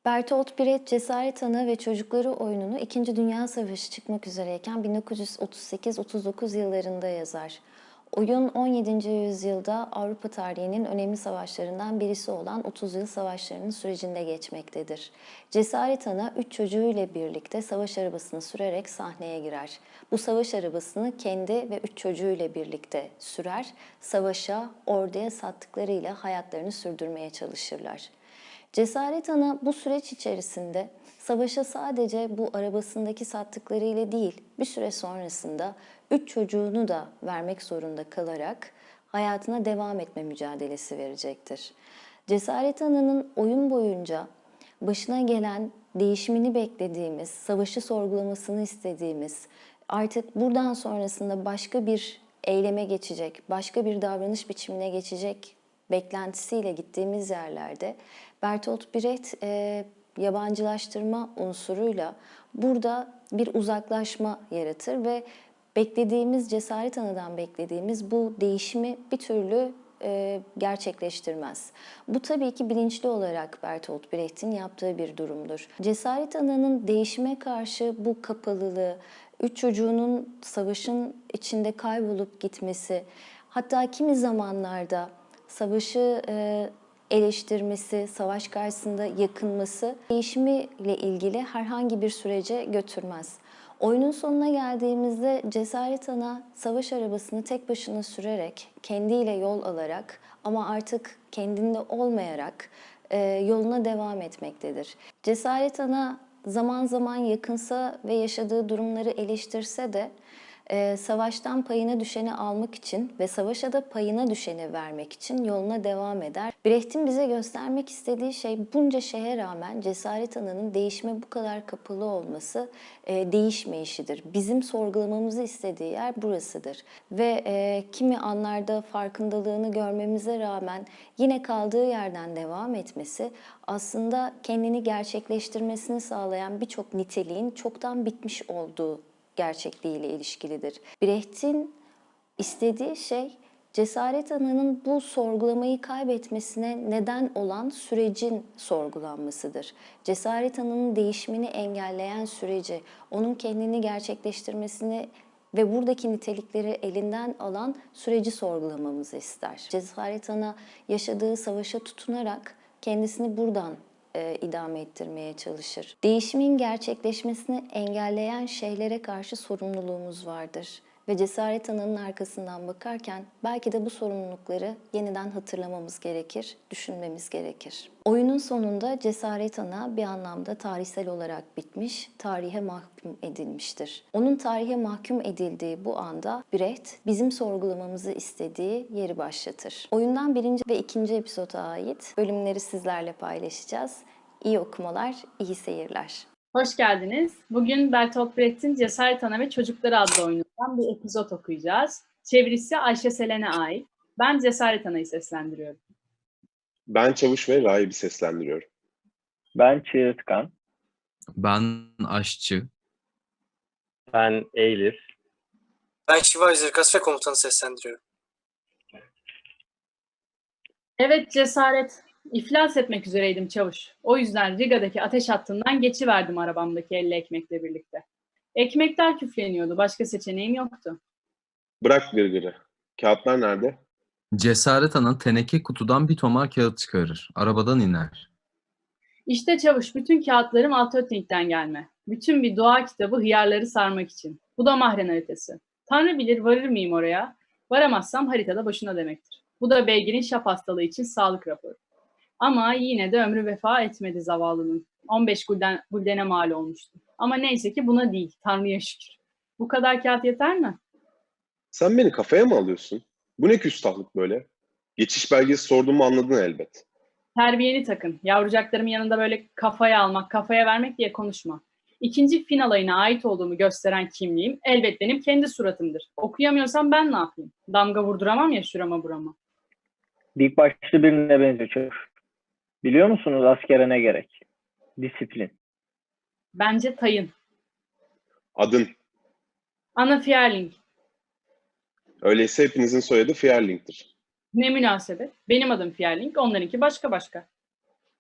Bertolt Brecht Cesaret Ana ve Çocukları oyununu İkinci Dünya Savaşı çıkmak üzereyken 1938-39 yıllarında yazar. Oyun 17. yüzyılda Avrupa tarihinin önemli savaşlarından birisi olan 30 Yıl Savaşları'nın sürecinde geçmektedir. Cesaret Ana 3 çocuğuyla birlikte savaş arabasını sürerek sahneye girer. Bu savaş arabasını kendi ve 3 çocuğuyla birlikte sürer, savaşa, orduya sattıklarıyla hayatlarını sürdürmeye çalışırlar. Cesaret Ana bu süreç içerisinde savaşa sadece bu arabasındaki sattıklarıyla değil, bir süre sonrasında 3 çocuğunu da vermek zorunda kalarak hayatına devam etme mücadelesi verecektir. Cesaret Ana'nın oyun boyunca başına gelen değişimini beklediğimiz, savaşı sorgulamasını istediğimiz, artık buradan sonrasında başka bir eyleme geçecek, başka bir davranış biçimine geçecek beklentisiyle gittiğimiz yerlerde Bertolt Brecht yabancılaştırma unsuruyla burada bir uzaklaşma yaratır ve beklediğimiz Cesaret Ana'dan beklediğimiz bu değişimi bir türlü gerçekleştirmez. Bu tabii ki bilinçli olarak Bertolt Brecht'in yaptığı bir durumdur. Cesaret Ana'nın değişime karşı bu kapalılığı, 3 çocuğunun savaşın içinde kaybolup gitmesi, hatta kimi zamanlarda savaşı eleştirmesi, savaş karşısında yakınması değişimiyle ilgili herhangi bir sürece götürmez. Oyunun sonuna geldiğimizde Cesaret Ana savaş arabasını tek başına sürerek, kendiyle yol alarak ama artık kendinde olmayarak yoluna devam etmektedir. Cesaret Ana zaman zaman yakınsa ve yaşadığı durumları eleştirse de savaştan payına düşeni almak için ve savaşa da payına düşeni vermek için yoluna devam eder. Brecht'in bize göstermek istediği şey bunca şeye rağmen Cesaret Ana'nın değişime bu kadar kapalı olması değişmeyişidir. Bizim sorgulamamızı istediği yer burasıdır. Ve kimi anlarda farkındalığını görmemize rağmen yine kaldığı yerden devam etmesi aslında kendini gerçekleştirmesini sağlayan birçok niteliğin çoktan bitmiş olduğu gerçekliğiyle ilişkilidir. Brecht'in istediği şey Cesaret Ana'nın bu sorgulamayı kaybetmesine neden olan sürecin sorgulanmasıdır. Cesaret Ana'nın değişimini engelleyen süreci, onun kendini gerçekleştirmesini ve buradaki nitelikleri elinden alan süreci sorgulamamızı ister. Cesaret Ana yaşadığı savaşa tutunarak kendisini buradan idame ettirmeye çalışır. Değişimin gerçekleşmesini engelleyen şeylere karşı sorumluluğumuz vardır. Ve Cesaret Ana'nın arkasından bakarken belki de bu sorumlulukları yeniden hatırlamamız gerekir, düşünmemiz gerekir. Oyunun sonunda Cesaret Ana bir anlamda tarihsel olarak bitmiş, tarihe mahkum edilmiştir. Onun tarihe mahkum edildiği bu anda Brecht bizim sorgulamamızı istediği yeri başlatır. Oyundan birinci ve ikinci epizoda ait bölümleri sizlerle paylaşacağız. İyi okumalar, iyi seyirler. Hoş geldiniz. Bugün Bertolt Brecht'in Cesaret Ana ve Çocukları adlı oyunundan bir epizod okuyacağız. Çevirisi Ayşe Selen'e ait. Ben Cesaret Ana'yı seslendiriyorum. Ben Çavuş ve Rahip'i seslendiriyorum. Ben Çığırtkan. Ben aşçı. Ben Eylül. Ben Şiva Zirkas ve komutanı seslendiriyorum. Evet Cesaret. İflas etmek üzereydim çavuş. O yüzden Riga'daki ateş hattından geçiverdim arabamdaki 50 ekmekle birlikte. Ekmekler küfleniyordu. Başka seçeneğim yoktu. Bırak gırgırı. Kağıtlar nerede? Cesaret Ana teneke kutudan bir tomar kağıt çıkarır. Arabadan iner. İşte çavuş, bütün kağıtlarım Altötting'den gelme. Bütün bir doğa kitabı hıyarları sarmak için. Bu da mahren haritası. Tanrı bilir varır mıyım oraya? Varamazsam haritada boşuna demektir. Bu da beygirin şap hastalığı için sağlık raporu. Ama yine de ömrü vefa etmedi zavallının. 15 guldene mal olmuştu. Ama neyse ki buna değil, Tanrı'ya şükür. Bu kadar kağıt yeter mi? Sen beni kafaya mı alıyorsun? Bu ne küstahlık böyle? Geçiş belgesi sorduğumu anladın elbet. Terbiyeni takın. Yavrucaklarımın yanında böyle kafaya almak, kafaya vermek diye konuşma. İkinci fin alayına ait olduğumu gösteren kimliğim elbet benim kendi suratımdır. Okuyamıyorsam ben ne yapayım? Damga vurduramam ya şurama burama. Dik başlı birine benziyor çavuş. Biliyor musunuz askere ne gerek? Disiplin. Bence tayın. Adın. Ana Fierling. Öyleyse hepinizin soyadı Fierling'tir. Ne münasebet. Benim adım Fierling, onlarınki başka başka.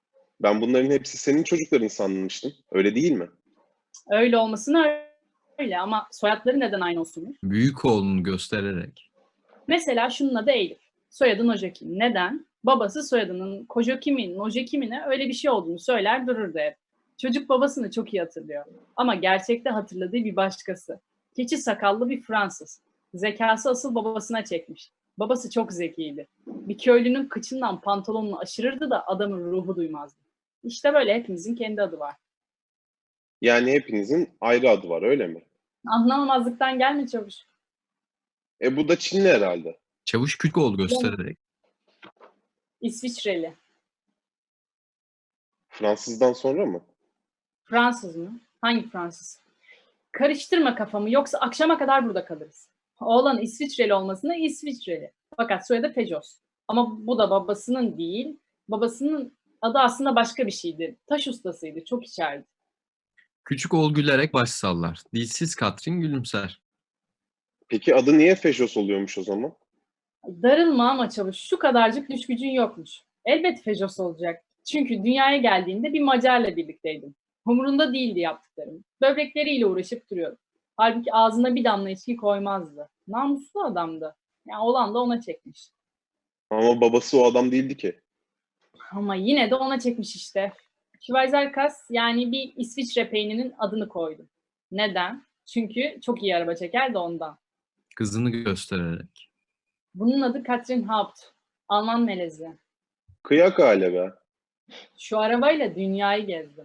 Ben bunların hepsi senin çocukların sanmıştım. Öyle değil mi? Öyle olmasına öyle ama soyadları neden aynı olsun? Büyük oğlunu göstererek. Mesela şunun adı Elif. Soyadı Nojaki. Neden? Babası soyadının Kojokimi, Nojekimi'ne öyle bir şey olduğunu söyler dururdu hep. Çocuk babasını çok iyi hatırlıyor. Ama gerçekte hatırladığı bir başkası. Keçi sakallı bir Fransız. Zekası asıl babasına çekmiş. Babası çok zekiydi. Bir köylünün kıçından pantolonunu aşırırdı da adamın ruhu duymazdı. İşte böyle hepimizin kendi adı var. Yani hepinizin ayrı adı var, öyle mi? Anlamamazlıktan gelme çavuş. Bu da Çinli herhalde. Çavuş küçük oğlu göstererek. İsviçreli. Fransızdan sonra mı? Fransız mı? Hangi Fransız? Karıştırma kafamı yoksa akşama kadar burada kalırız. Oğlan İsviçreli olmasına İsviçreli. Fakat soyadı Fejos. Ama bu da babasının değil. Babasının adı aslında başka bir şeydi. Taş ustasıydı. Çok içerdi. Küçük oğul gülerek baş sallar. Dilsiz Katrin gülümser. Peki adı niye Fejos oluyormuş o zaman? Darılma ama çavuş. Şu kadarcık düş gücün yokmuş. Elbet Fejos olacak. Çünkü dünyaya geldiğinde bir Macar'la birlikteydim. Umurunda değildi yaptıklarım. Böbrekleriyle uğraşıp duruyordu. Halbuki ağzına bir damla içki koymazdı. Namuslu adamdı. Yani olan da ona çekmiş. Ama babası o adam değildi ki. Ama yine de ona çekmiş işte. Schweizerkas yani bir İsviçre peyninin adını koydu. Neden? Çünkü çok iyi araba çeker de ondan. Kızını göstererek. Bunun adı Katrin Haupt. Alman melezi. Kıyak hale be. Şu arabayla dünyayı gezdim.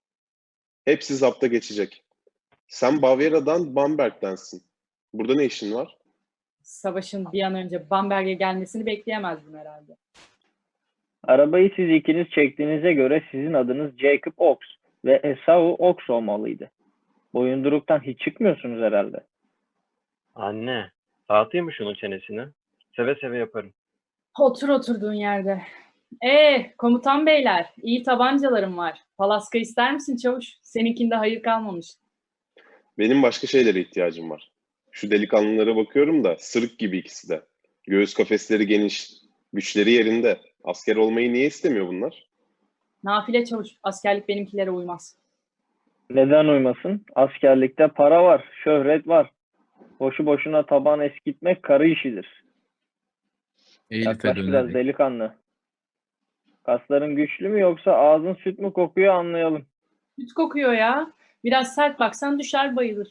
Hepsi zapta geçecek. Sen Bavyera'dan Bamberg'densin. Burada ne işin var? Savaşın bir an önce Bamberg'e gelmesini bekleyemezdim herhalde. Arabayı siz ikiniz çektiğinize göre sizin adınız Jacob Ox ve Esau Ox olmalıydı. Boyunduruktan hiç çıkmıyorsunuz herhalde. Anne, dağıtayım mı şunun çenesini? Seve seve yaparım. Otur oturduğun yerde. Komutan beyler, iyi tabancalarım var. Palaska ister misin çavuş? Seninkinde hayır kalmamış. Benim başka şeylere ihtiyacım var. Şu delikanlılara bakıyorum da sırık gibi ikisi de. Göğüs kafesleri geniş, güçleri yerinde. Asker olmayı niye istemiyor bunlar? Nafile çavuş, askerlik benimkilere uymaz. Neden uymasın? Askerlikte para var, şöhret var. Boşu boşuna taban eskitmek karı işidir. Elif'e Yaklaş biraz dönerek. delikanlı. Kasların güçlü mü yoksa ağzın süt mü kokuyor anlayalım. Süt kokuyor ya. Biraz sert baksan düşer bayılır.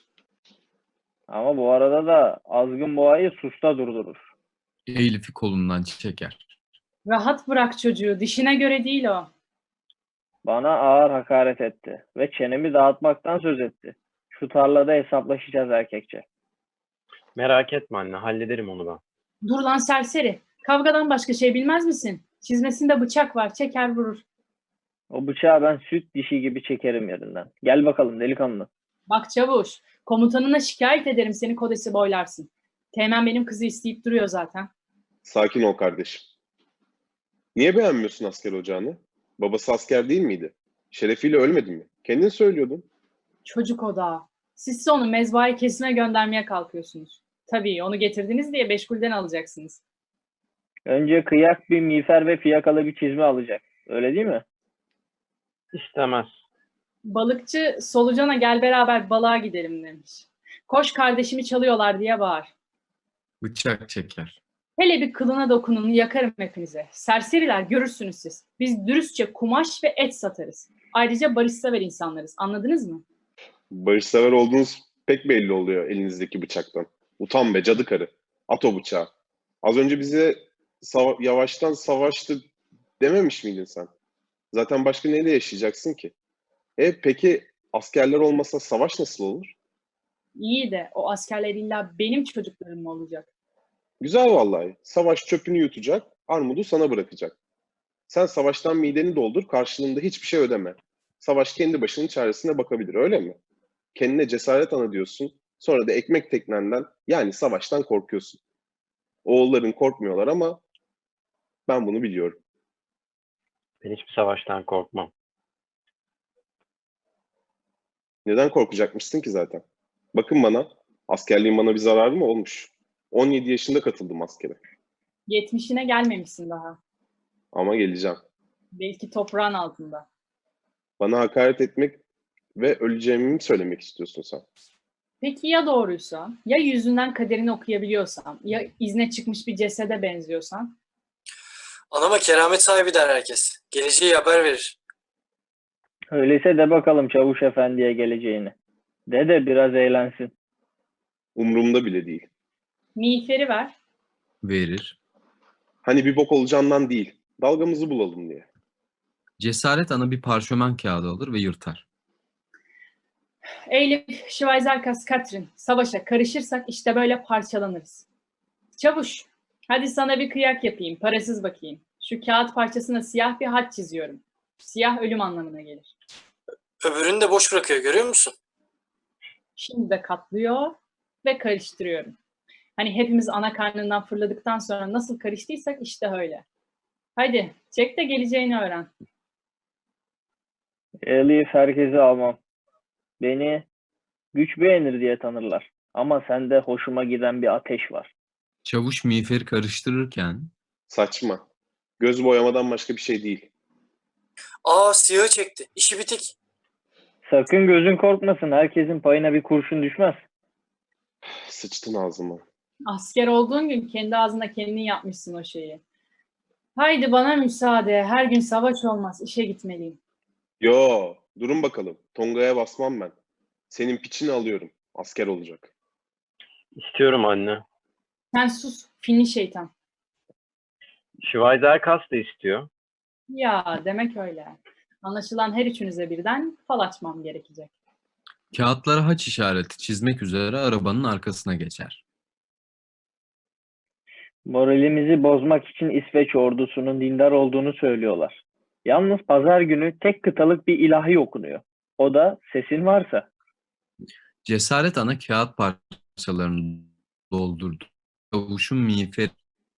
Ama bu arada da azgın boğayı susta durdurur. Elif'i kolundan çeker. Rahat bırak çocuğu, dişine göre değil o. Bana ağır hakaret etti ve çenemi dağıtmaktan söz etti. Şu tarlada hesaplaşacağız erkekçe. Merak etme anne, hallederim onu ben. Dur lan serseri. Kavgadan başka şey bilmez misin? Çizmesinde bıçak var, çeker vurur. O bıçağı ben süt dişi gibi çekerim yerinden. Gel bakalım delikanlı. Bak çavuş, komutanına şikayet ederim seni kodesi boylarsın. Teğmen benim kızı isteyip duruyor zaten. Sakin ol kardeşim. Niye beğenmiyorsun asker ocağını? Babası asker değil miydi? Şerefiyle ölmedi mi? Kendin söylüyordun. Çocuk odağı. Siz onu mezbahayı kesime göndermeye kalkıyorsunuz. Tabii onu getirdiniz diye Beşgül'den alacaksınız. Önce kıyak bir miğfer ve fiyakalı bir çizme alacak. Öyle değil mi? İstemez. Balıkçı solucana gel beraber balığa gidelim demiş. Koş kardeşimi çalıyorlar diye bağır. Bıçak çeker. Hele bir kılına dokunun yakarım hepinize. Serseriler görürsünüz siz. Biz dürüstçe kumaş ve et satarız. Ayrıca barışsever insanlarız. Anladınız mı? Barışsever olduğunuz pek belli oluyor elinizdeki bıçaktan. Utan be cadı karı. At o bıçağı. Az önce bize yavaştan savaştı dememiş miydin sen? Zaten başka neyle yaşayacaksın ki? Peki askerler olmasa savaş nasıl olur? İyi de o askerler illa benim çocuklarım mı olacak? Güzel vallahi. Savaş çöpünü yutacak, armudu sana bırakacak. Sen savaştan mideni doldur, karşılığında hiçbir şey ödeme. Savaş kendi başının çaresine bakabilir, öyle mi? Kendine cesaret ana diyorsun, sonra da ekmek teknenden, yani savaştan korkuyorsun. Oğulların korkmuyorlar ama ben bunu biliyorum. Ben hiçbir savaştan korkmam. Neden korkacakmışsın ki zaten? Bakın bana, askerliğin bana bir zararı mı olmuş? 17 yaşında katıldım askere. 70'ine gelmemişsin daha. Ama geleceğim. Belki toprağın altında. Bana hakaret etmek ve öleceğimi mi söylemek istiyorsun sen? Peki ya doğruysa? Ya yüzünden kaderini okuyabiliyorsan? Ya izne çıkmış bir cesede benziyorsan? Anama keramet sahibi der herkes. Geleceği haber verir. Öyleyse de bakalım Çavuş Efendi'ye geleceğini. De biraz eğlensin. Umurumda bile değil. Miğferi ver. Verir. Hani bir bok olacağından değil, dalgamızı bulalım diye. Cesaret Ana bir parşömen kağıdı alır ve yırtar. Eylif, Schweizerkas, Katrin, savaşa karışırsak işte böyle parçalanırız. Çavuş, hadi sana bir kıyak yapayım, parasız bakayım. Şu kağıt parçasına siyah bir haç çiziyorum. Siyah ölüm anlamına gelir. Öbürünü de boş bırakıyor, görüyor musun? Şimdi de katlıyor ve karıştırıyorum. Hani hepimiz ana karnından fırladıktan sonra nasıl karıştıysak işte öyle. Hadi çek de geleceğini öğren. Elif herkesi almam. Beni güç beğenir diye tanırlar. Ama sende hoşuma giden bir ateş var. Çavuş miğferi karıştırırken Saçma. Göz boyamadan başka bir şey değil. Aa, siyahı çekti. İşi bitik. Sakın gözün korkmasın. Herkesin payına bir kurşun düşmez. Sıçtın ağzıma. Asker olduğun gün kendi ağzına kendin yapmışsın o şeyi. Haydi bana müsaade. Her gün savaş olmaz. İşe gitmeliyim. Yo, durun bakalım. Tonga'ya basmam ben. Senin piçini alıyorum. Asker olacak. İstiyorum anne. Sen sus. Finli şeytan. Schweizerkas da istiyor. Ya demek öyle. Anlaşılan her üçünüze birden fal açmam gerekecek. kağıtlara haç işareti çizmek üzere arabanın arkasına geçer. Moralimizi bozmak için İsveç ordusunun dindar olduğunu söylüyorlar. Yalnız pazar günü tek kıtalık bir ilahi okunuyor. O da sesin varsa. Cesaret Ana kağıt parçalarını doldurdu. Çavuşun miğferi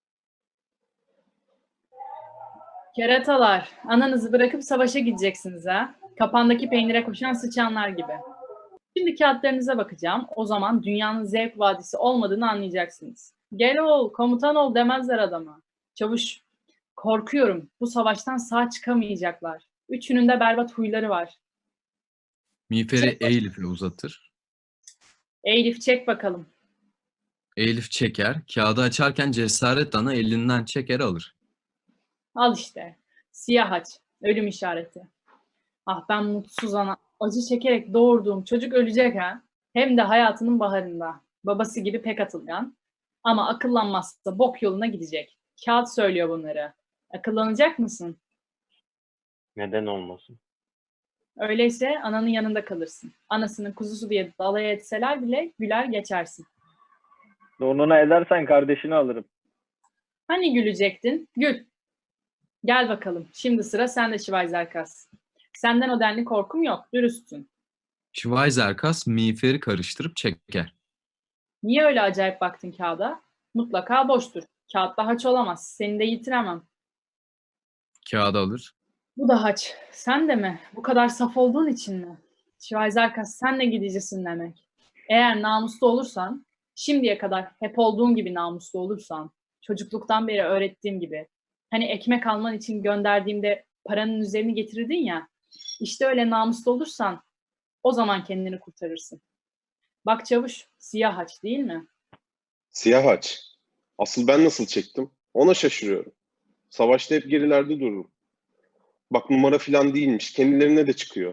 Keratalar, ananızı bırakıp savaşa gideceksiniz ha. Kapandaki peynire koşan sıçanlar gibi. Şimdi kağıtlarınıza bakacağım. O zaman dünyanın zevk vadisi olmadığını anlayacaksınız. Gel ol, komutan ol demezler adama. Çavuş, korkuyorum. Bu savaştan sağ çıkamayacaklar. Üçünün de berbat huyları var. miğferi Elif'e uzatır. Elif çek bakalım. Elif çeker. Kağıdı açarken Cesaret Ana elinden çeker alır. Al işte. Siyah haç. Ölüm işareti. Ah ben mutsuz ana. Acı çekerek doğurduğum çocuk ölecek ha. Hem de hayatının baharında. Babası gibi pek atılgan. Ama akıllanmazsa bok yoluna gidecek. Kağıt söylüyor bunları. Akıllanacak mısın? Neden olmasın? Öyleyse ananın yanında kalırsın. Anasının kuzusu diye dalaya etseler bile güler geçersin. Donuna edersen kardeşini alırım. Hani gülecektin? Gül. Gel bakalım. Şimdi sıra sende Schweizerkas. Senden o denli korkum yok. Dürüstsün. Schweizerkas miğferi karıştırıp çeker. Niye öyle acayip baktın kağıda? Mutlaka boştur. Kağıtta haç olamaz. Seni de yitiremem. Kağıdı alır. Bu da haç. Sen de mi? Bu kadar saf olduğun için mi? Schweizerkas sen de gidicisin demek. Eğer namuslu olursan, şimdiye kadar hep olduğun gibi namuslu olursan, çocukluktan beri öğrettiğim gibi, hani ekmek alman için gönderdiğimde paranın üzerini getirirdin ya, işte öyle namuslu olursan, o zaman kendini kurtarırsın. Bak çavuş, siyah haç değil mi? Siyah haç. Asıl ben nasıl çektim? Ona şaşırıyorum. Savaşta hep gerilerde dururum. Bak numara falan değilmiş. Kendilerine de çıkıyor.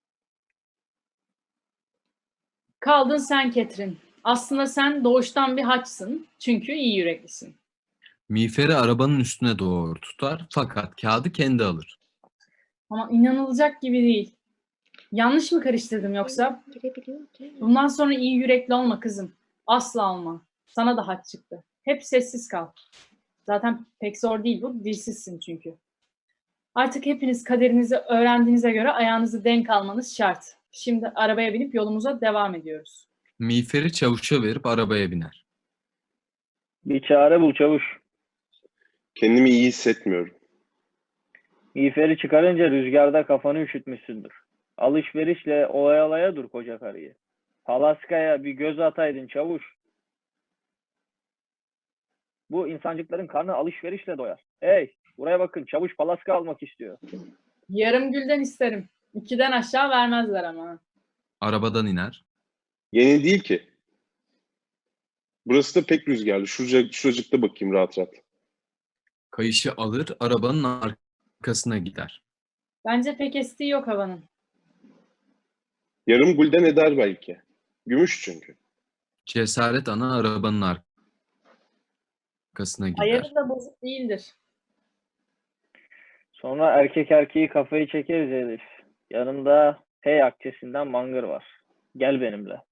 Kaldın sen Ketrin. Aslında sen doğuştan bir haçsın. Çünkü iyi yüreklisin. Miğferi arabanın üstüne doğru tutar fakat kağıdı kendi alır. Ama inanılacak gibi değil. Yanlış mı karıştırdım yoksa? Bundan sonra iyi yürekli olma kızım. Asla olma. Sana da haç çıktı. Hep sessiz kal. Zaten pek zor değil bu. Dilsizsin çünkü. Artık hepiniz kaderinizi öğrendiğinize göre ayağınızı denk almanız şart. Şimdi arabaya binip yolumuza devam ediyoruz. Miğferi çavuşa verip arabaya biner. Bir çare bul Çavuş. Kendimi iyi hissetmiyorum. Miğferi çıkarınca rüzgarda kafanı üşütmüşsündür. Alışverişle oyalaya dur koca karıyı. Palaska'ya bir göz ataydın Çavuş. Bu insancıkların karnı alışverişle doyar. Hey, Buraya bakın, çavuş palaska almak istiyor. Yarım gülden isterim. 2'den aşağı vermezler ama. Arabadan iner. Yeni değil ki. Burası da pek rüzgarlı. Şuracıkta bakayım rahat rahat. Kayışı alır, arabanın arkasına gider. Bence pek estiği yok havanın. Yarım gulden eder belki. Gümüş çünkü. Cesaret ana arabanın arkasına gider. Ayarı da bozuk değildir. Sonra erkek erkeği kafayı çekeriz Elif. Yanımda Hey akçesinden mangır var. Gel benimle.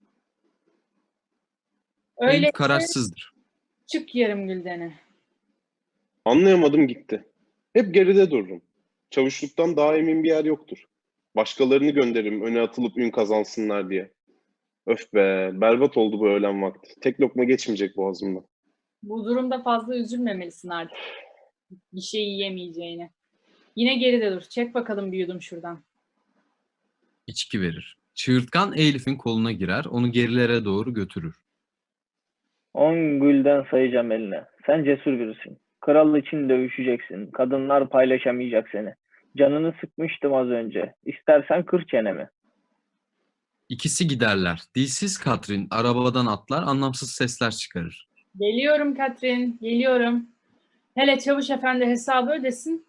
Öyle Elif kararsızdır. çık yarım güldene. Anlayamadım gitti. Hep geride dururum. Çavuşluktan daha emin bir yer yoktur. Başkalarını gönderirim öne atılıp ün kazansınlar diye. Öf be, berbat oldu bu öğlen vakti. Tek lokma geçmeyecek boğazımdan. Bu durumda fazla üzülmemelisin artık. Bir şey yiyemeyeceğine. Yine geride dur. Çek bakalım bir yudum şuradan. İçki verir. Çığırtkan Elif'in koluna girer, onu gerilere doğru götürür. 10 gülden sayacağım eline. Sen cesur birisin. Kral için dövüşeceksin. Kadınlar paylaşamayacak seni. Canını sıkmıştım az önce. İstersen kır çenemi. İkisi giderler. Dilsiz Katrin arabadan atlar, anlamsız sesler çıkarır. Geliyorum Katrin, geliyorum. Hele çavuş efendi hesabı ödesin.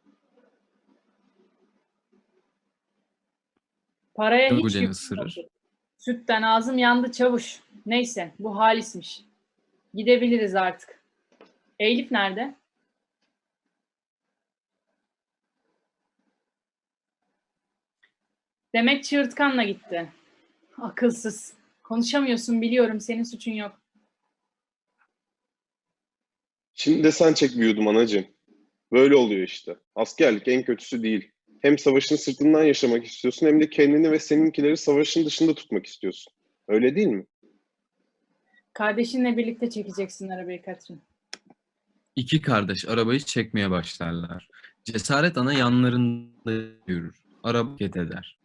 Paraya hiç Güleni yük ısırır. yok. Sütten ağzım yandı çavuş. Neyse, bu halismiş. Gidebiliriz artık. Elif nerede? Demek çığırtkanla gitti. Akılsız. Konuşamıyorsun biliyorum, senin suçun yok. Şimdi de sen çek bir yudum anacığım. Böyle oluyor işte. Askerlik en kötüsü değil. Hem savaşın sırtından yaşamak istiyorsun hem de kendini ve seninkileri savaşın dışında tutmak istiyorsun. Öyle değil mi? Kardeşinle birlikte çekeceksin arabayı Katrin. İki kardeş arabayı çekmeye başlarlar. Cesaret ana yanlarında yürür. Araba hareket eder.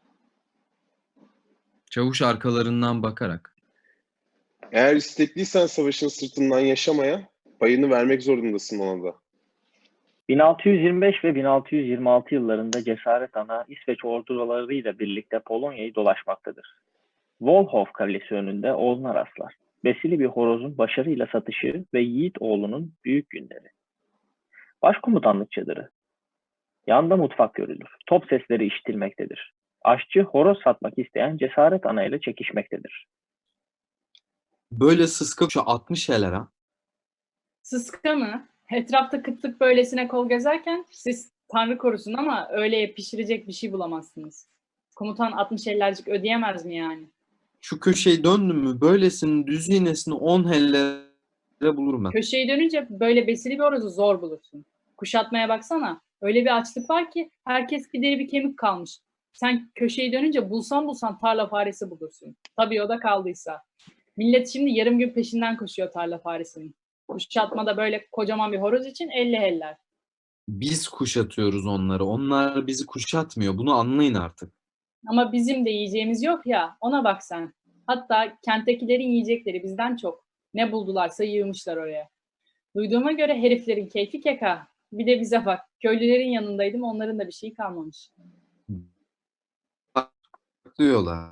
Çavuş arkalarından bakarak. Eğer istekliysen savaşın sırtından yaşamaya, payını vermek zorundasın ona da. 1625 ve 1626 yıllarında Cesaret Ana İsveç ordularıyla birlikte Polonya'yı dolaşmaktadır. Volhof Kalesi önünde oğluna rastlar. Besili bir horozun başarıyla satışı ve Yiğit oğlunun büyük günleri. Başkomutanlık çadırı. Yanda mutfak görülür. Top sesleri işitilmektedir. Aşçı horoz satmak isteyen Cesaret Ana ile çekişmektedir. Böyle sıska şu 60 ha. Sıska mı? Etrafta kıtlık böylesine kol gezerken siz Tanrı korusun ama öyle pişirecek bir şey bulamazsınız. Komutan 60 ellercik ödeyemez mi yani? Şu köşeyi döndüm mü böylesinin düz iğnesini 10 hellere bulurum ben. Köşeyi dönünce böyle besili bir horozu zor bulursun. Kuşatmaya baksana. Öyle bir açlık var ki herkes bir deri bir kemik kalmış. Sen köşeyi dönünce bulsan tarla faresi bulursun. Tabii o da kaldıysa. Millet şimdi yarım gün peşinden koşuyor tarla faresinin. Kuşatmada böyle kocaman bir horoz için 50 heller. Biz kuşatıyoruz onları. Onlar bizi kuşatmıyor. Bunu anlayın artık. Ama bizim de yiyeceğimiz yok ya, ona bak sen. Hatta kenttekilerin yiyecekleri bizden çok. Ne buldularsa yığmışlar oraya. Duyduğuma göre heriflerin keyfi keka. Bir de bize bak, köylülerin yanındaydım, onların da bir şeyi kalmamış. Diyorlar.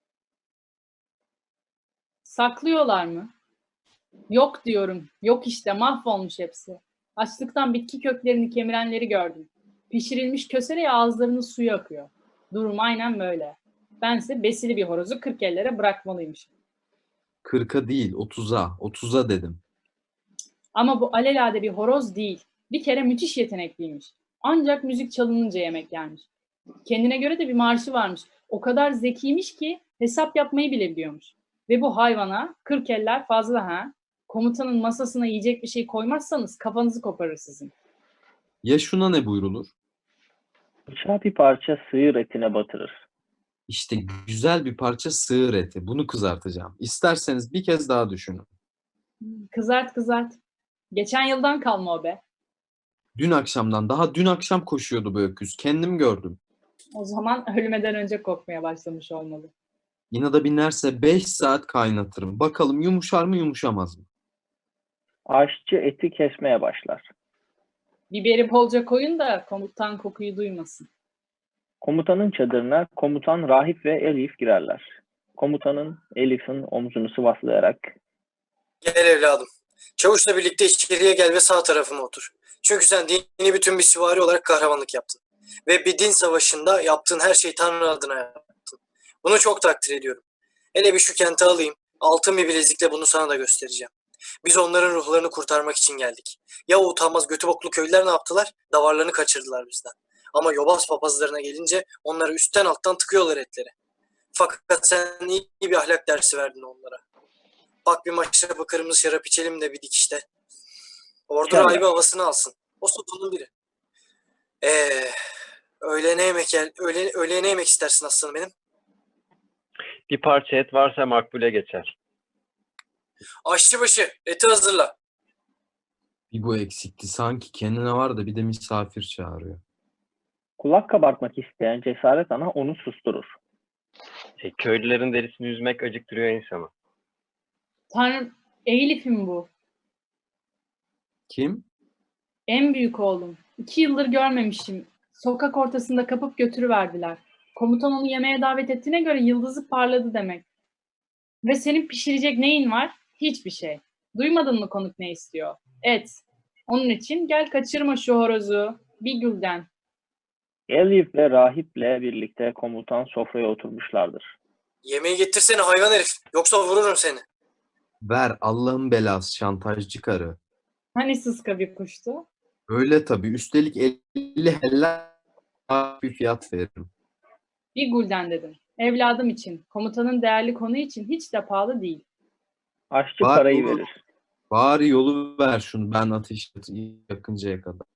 Saklıyorlar mı? Yok diyorum, yok işte, mahvolmuş hepsi. Açlıktan bitki köklerini kemirenleri gördüm. Pişirilmiş kösereye ağızlarının suyu akıyor. Durum aynen böyle. Bense besili bir horozu 40 ellere bırakmalıymışım. 40'a değil 30'a. 30'a dedim. Ama bu alelade bir horoz değil. Bir kere müthiş yetenekliymiş. Ancak müzik çalınınca yemek yermiş. Kendine göre de bir marşı varmış. O kadar zekiymiş ki hesap yapmayı bile biliyormuş. Ve bu hayvana 40 eller fazla ha. Komutanın masasına yiyecek bir şey koymazsanız kafanızı koparır sizin. Ya şuna ne buyrulur? Bıçağı bir parça sığır etine batırır. İşte güzel bir parça sığır eti. Bunu kızartacağım. İsterseniz bir kez daha düşünün. Kızart kızart. Geçen yıldan kalma o be. Dün akşamdan, daha dün akşam koşuyordu bu öküz. Kendim gördüm. O zaman ölmeden önce kokmaya başlamış olmalı. İnada binerse 5 saat kaynatırım. Bakalım yumuşar mı yumuşamaz mı? Aşçı eti kesmeye başlar. Biberi bolca koyun da komutan kokuyu duymasın. Komutanın çadırına komutan Rahip ve Elif girerler. Komutanın Elif'in omzunu sıvaslayarak Gel evladım. Çavuşla birlikte içeriye gel ve sağ tarafıma otur. Çünkü sen dini bütün bir süvari olarak kahramanlık yaptın. Ve bir din savaşında yaptığın her şeyi Tanrı adına yaptın. Bunu çok takdir ediyorum. Hele bir şu kenti alayım. Altın bir bilezikle bunu sana da göstereceğim. Biz onların ruhlarını kurtarmak için geldik. Ya o utanmaz götü boklu köylüler ne yaptılar? Davarlarını kaçırdılar bizden. Ama yobaz papazlarına gelince onları üstten alttan tıkıyorlar etleri. Fakat sen iyi bir ahlak dersi verdin onlara. Bak bir maşrapa kırmızı şarap içelim de bir dikişte. Ordu İnşallah. rahibi havasını alsın. O sotunun biri. Öğlene yemek istersin aslanım benim. Bir parça et varsa makbule geçer. Aşçıbaşı eti hazırla. Bir bu eksikti. Sanki kendine var da bir de misafir çağırıyor. kulak kabartmak isteyen Cesaret Ana onu susturur. Köylülerin derisini yüzmek acıktırıyor insanı. Tanrım, Elif'im bu. Kim? En büyük oğlum. 2 yıldır görmemişim. Sokak ortasında kapıp götürüverdiler. Komutan onu yemeğe davet ettiğine göre yıldızı parladı demek. Ve senin pişirecek neyin var? Hiçbir şey. Duymadın mı konuk ne istiyor? Et. Onun için gel kaçırma şu horozu. Bir gülden. Elif ve Rahip'le birlikte komutan sofraya oturmuşlardır. Yemeği getirsene hayvan herif. Yoksa vururum seni. Ver Allah'ın belası şantajcı karı. Hani sıska bir kuştu? Öyle tabii. Üstelik 50 helal bir fiyat veririm. Bir gülden dedim. Evladım için, komutanın değerli konu için hiç de pahalı değil. Aşçı Var parayı oğlum. verir. Bari yolu ver şunu ben ateş yakıncaya kadar.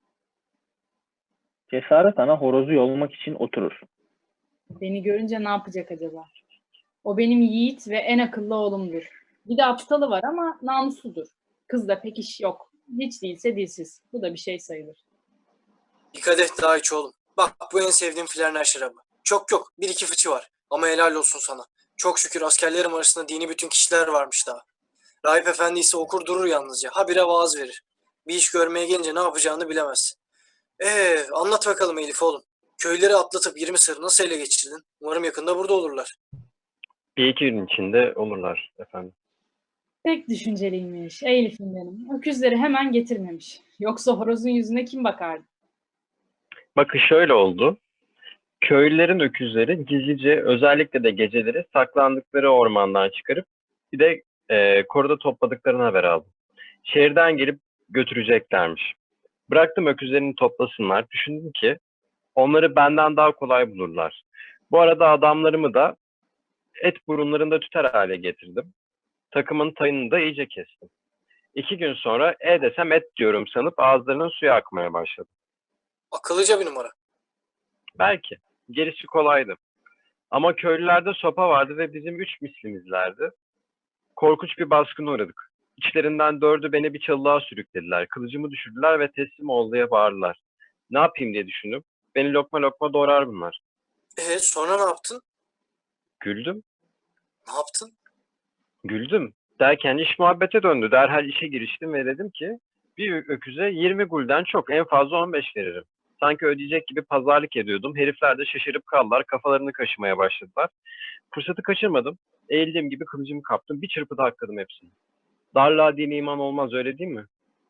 Cesaret Ana horozu yolmak için oturur. Beni görünce ne yapacak acaba? O benim yiğit ve en akıllı oğlumdur. Bir de aptalı var ama namusludur. Kızda pek iş yok. Hiç değilse dilsiz. Bu da bir şey sayılır. Bir kadeh daha iç oğlum. Bak bu en sevdiğim Flerner şarabı. Çok yok. Bir iki fıçı var. Ama helal olsun sana. Çok şükür askerlerim arasında dini bütün kişiler varmış daha. Rahip efendi ise okur durur yalnızca. Habire vaaz verir. Bir iş görmeye gelince ne yapacağını bilemez. Anlat bakalım Elif oğlum. Köyleri atlatıp 20 sır nasıl ele geçirdin? Umarım yakında burada olurlar. Bir iki gün içinde olurlar efendim. Pek düşünceliymiş. Elif'im benim. Öküzleri hemen getirmemiş. Yoksa horozun yüzüne kim bakardı? Bakın şöyle oldu. Köylülerin öküzleri gizlice özellikle de geceleri saklandıkları ormandan çıkarıp bir de koruda topladıklarını haber aldım. Şehirden gelip götüreceklermiş. Bıraktım öküzlerini toplasınlar. Düşündüm ki onları benden daha kolay bulurlar. Bu arada adamlarımı da et burunlarında tüter hale getirdim. Takımın tayını da iyice kestim. 2 gün sonra desem et diyorum sanıp ağızlarının suyu akmaya başladı. Akıllıca bir numara. Belki. Gerisi kolaydı. Ama köylülerde sopa vardı ve bizim 3 mislimizlerdi. Korkunç bir baskına uğradık. İçlerinden 4'ü beni bir çalılığa sürüklediler. Kılıcımı düşürdüler ve teslim ol diye bağırdılar. Ne yapayım diye düşündüm. Beni lokma lokma doğrar bunlar. Sonra ne yaptın? Güldüm. Ne yaptın? Güldüm. Derken iş muhabbete döndü. Derhal işe giriştim ve dedim ki bir öküze 20 gulden çok, en fazla 15 veririm. Sanki ödeyecek gibi pazarlık ediyordum. Herifler de şaşırıp kaldılar. Kafalarını kaşımaya başladılar. Fırsatı kaçırmadım. Eğildiğim gibi kılıcımı kaptım. Bir çırpıda hakladım hepsini. Darlığa dini iman olmaz, öyle değil mi?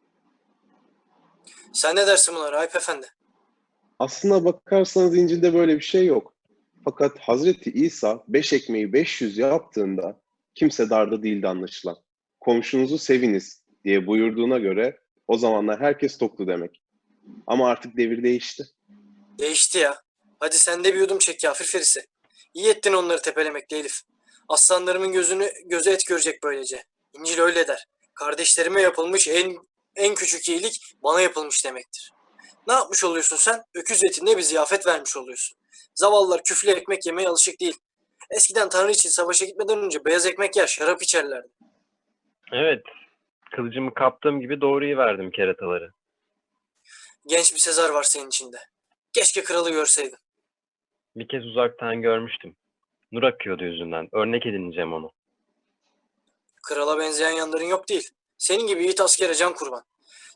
Sen ne dersin buna Rahip efendi? Aslına bakarsanız İncil'de böyle bir şey yok. Fakat Hazreti İsa 5 ekmeği 500 yaptığında kimse darda değildi anlaşılan. Komşunuzu seviniz diye buyurduğuna göre o zamanlar herkes toktu demek. Ama artık devir değişti. Değişti ya. Hadi sen de bir yudum çek kafir ferisi. İyi ettin onları tepelemekle Elif. Aslanlarımın gözü et görecek böylece. İncil öyle der. Kardeşlerime yapılmış en küçük iyilik bana yapılmış demektir. Ne yapmış oluyorsun sen? Öküz etinde bir ziyafet vermiş oluyorsun. Zavallılar küflü ekmek yemeye alışık değil. Eskiden Tanrı için savaşa gitmeden önce beyaz ekmek yer, şarap içerlerdi. Evet. Kılıcımı kaptığım gibi doğruyu verdim kerataları. Genç bir Sezar var senin içinde. Keşke kralı görseydin. Bir kez uzaktan görmüştüm. Nur akıyordu yüzünden. Örnek edineceğim onu. Krala benzeyen yanların yok değil. Senin gibi yiğit askere can kurban.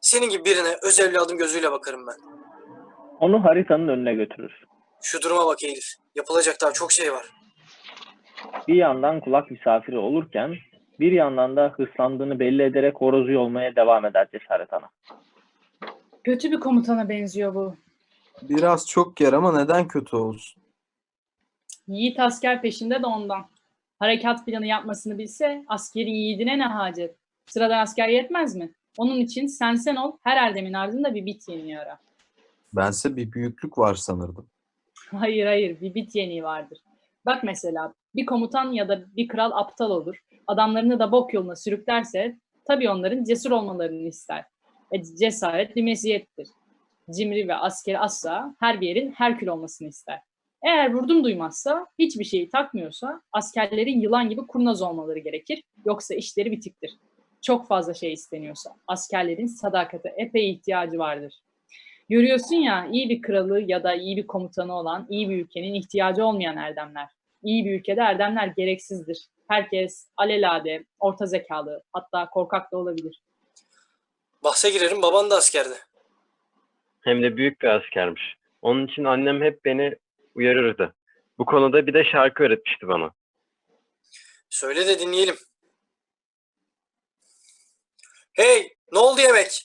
Senin gibi birine öz evladım gözüyle bakarım ben. Onu haritanın önüne götürür. Şu duruma bak Elif. Yapılacak daha çok şey var. Bir yandan kulak misafiri olurken bir yandan da hırslandığını belli ederek horozu yolmaya devam eder Cesaret Ana. Kötü bir komutana benziyor bu. Biraz çok yer ama neden kötü olsun? Yiğit asker peşinde de ondan. Harekat planı yapmasını bilse askeri yiğidine ne hacet? Sıradan asker yetmez mi? Onun için sen ol, her erdemin ardında bir bit yeniği ara. Bense bir büyüklük var sanırdım. Hayır, bir bit yeniği vardır. Bak mesela bir komutan ya da bir kral aptal olur. Adamlarını da bok yoluna sürüklerse tabii onların cesur olmalarını ister. Cesaret bir meziyettir. Cimri ve askeri asla her bir yerin Herkül olmasını ister. Eğer vurdum duymazsa, hiçbir şeyi takmıyorsa askerlerin yılan gibi kurnaz olmaları gerekir. Yoksa işleri bitiktir. Çok fazla şey isteniyorsa askerlerin sadakate epey ihtiyacı vardır. Görüyorsun ya, iyi bir kralı ya da iyi bir komutanı olan, iyi bir ülkenin ihtiyacı olmayan erdemler. İyi bir ülkede erdemler gereksizdir. Herkes alelade, orta zekalı, hatta korkak da olabilir. Bahse girerim, baban da askerdi. Hem de büyük bir askermiş. Onun için annem hep beni uyarırdı. Bu konuda bir de şarkı öğretmişti bana. Söyle de dinleyelim. Hey, ne oldu yemek?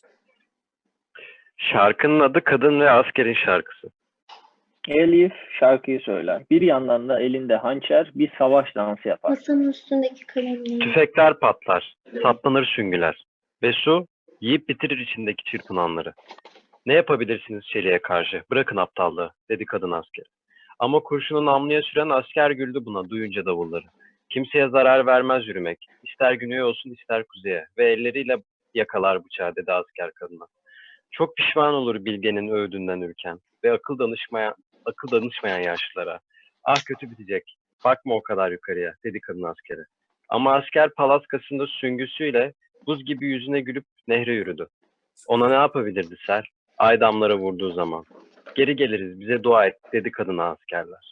Şarkının adı Kadın ve Askerin Şarkısı. Elif şarkıyı söyler. Bir yandan da elinde hançer bir savaş dansı yapar. Masanın üstündeki kalemleri. Tüfekler patlar, saplanır süngüler ve su yiyip bitirir içindeki çırpınanları. Ne yapabilirsiniz çeliğe karşı? Bırakın aptallığı, dedi kadın asker. Ama kurşunu namluya süren asker güldü buna duyunca davulları. Kimseye zarar vermez yürümek. İster güneye olsun ister kuzeye ve elleriyle yakalar bıçağı, dedi asker kadına. Çok pişman olur bilgenin öğüdünden ürken ve akıl danışmayan yaşlılara. Ah kötü bitecek. Bakma o kadar yukarıya, dedi kadın askere. Ama asker palaskasında süngüsüyle buz gibi yüzüne gülüp nehre yürüdü. Ona ne yapabilirdi Ser? Ay damlara vurduğu zaman. Geri geliriz, bize dua et, dedi kadına askerler.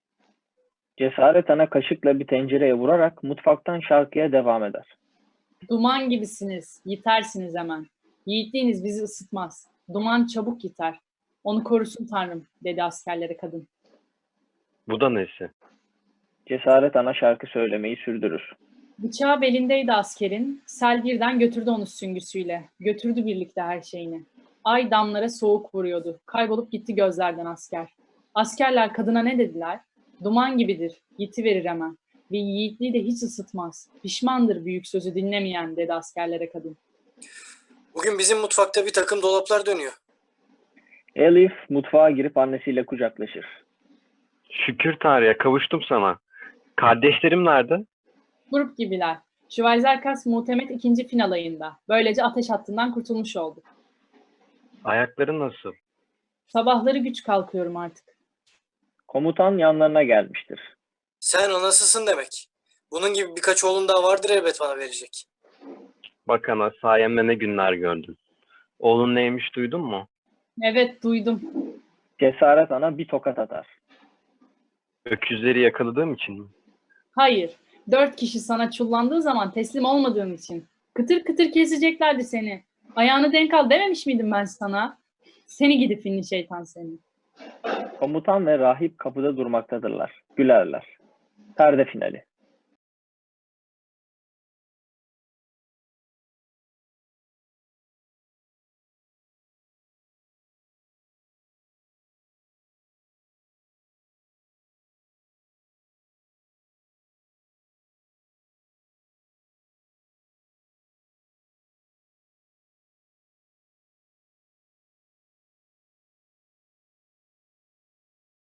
Cesaret Ana kaşıkla bir tencereye vurarak mutfaktan şarkıya devam eder. Duman gibisiniz, yitersiniz hemen. Yiğitliğiniz bizi ısıtmaz. Duman çabuk yiter. Onu korusun Tanrım, dedi askerlere kadın. Bu da nesi? Cesaret Ana şarkı söylemeyi sürdürür. Bıçağı belindeydi askerin. Sel birden götürdü onu süngüsüyle. Götürdü birlikte her şeyini. Ay damlara soğuk vuruyordu. Kaybolup gitti gözlerden asker. Askerler kadına ne dediler? Duman gibidir, yitiverir hemen. Ve yiğitliği de hiç ısıtmaz. Pişmandır büyük sözü dinlemeyen, dedi askerlere kadın. Bugün bizim mutfakta bir takım dolaplar dönüyor. Elif mutfağa girip annesiyle kucaklaşır. Şükür Tanrı'ya kavuştum sana. Kardeşlerim nerede? Grup gibiler. Şüvayzerkas Muhtemet 2. final ayında. Böylece ateş hattından kurtulmuş oldu. Ayakları nasıl? Sabahları güç kalkıyorum artık. Komutan yanlarına gelmiştir. Sen anasısın demek. Bunun gibi birkaç oğlun daha vardır elbet bana verecek. Bak ana, sayemde ne günler gördün. Oğlun neymiş duydun mu? Evet, duydum. Cesaret Ana bir tokat atar. Öküzleri yakaladığım için mi? Hayır, 4 kişi sana çullandığı zaman teslim olmadığın için. Kıtır kıtır keseceklerdi seni. Ayağını denk al dememiş miydim ben sana? Seni gidi finli şeytan seni. Komutan ve rahip kapıda durmaktadırlar. Gülerler. Perde finali.